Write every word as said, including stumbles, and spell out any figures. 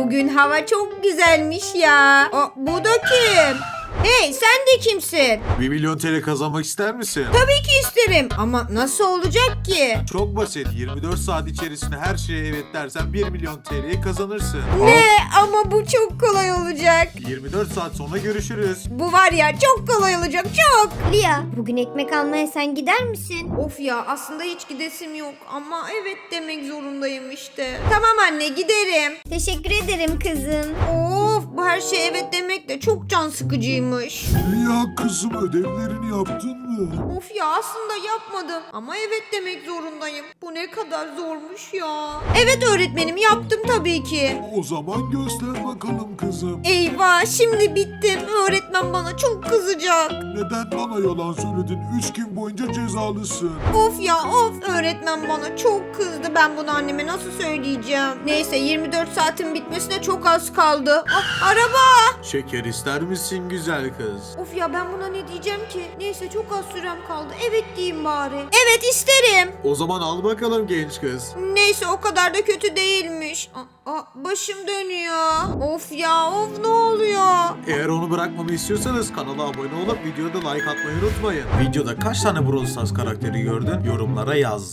bugün hava çok güzelmiş ya. Aa, bu da kim? Hey, sen de kimsin? bir milyon T L kazanmak ister misin? Tabii ki isterim ama nasıl olacak ki? Çok basit. yirmi dört saat içerisinde her şeye evet dersen bir milyon T L'yi kazanırsın. Ne? Ama bu çok kolay olacak. yirmi dört saat sonra görüşürüz. Bu var ya çok kolay olacak, çok. Lia, bugün ekmek almaya sen gider misin? Of ya, aslında hiç gidesim yok ama evet demek zorundayım işte. Tamam anne, giderim. Teşekkür ederim kızım. Of, bu her şey evet demek de çok can sıkıcıymış. Ya kızım, ödevlerini yaptın mı? Of ya, aslında yapmadım ama evet demek zorundayım. Bu ne kadar zormuş ya. Evet öğretmenim, yaptım tabii ki. O zaman göster bakalım kızım. Eyvah, şimdi bittim. Öğretmen bana çok kızacak. Neden bana yalan söyledin? Üç gün boyunca cezalısın. Of ya of, öğretmen bana çok kızdı. Ben bunu anneme nasıl söyleyeceğim? Neyse, yirmi dört saatin bitmesine çok az kaldı. Ah, araba. Şeker ister misin güzel kız? Of ya, ben buna ne diyeceğim ki? Neyse, çok az sürem kaldı. Evet diyeyim bari. Evet isterim. O zaman al bakalım genç kız. Neyse, o kadar da kötü değilmiş. Aa, aa, başım dönüyor. Of ya of, ne oluyor? Eğer onu bırakmamı istiyorsanız kanala abone olup videoda like atmayı unutmayın. Videoda kaç tane Brawl Stars karakteri gördün? Yorumlara yaz.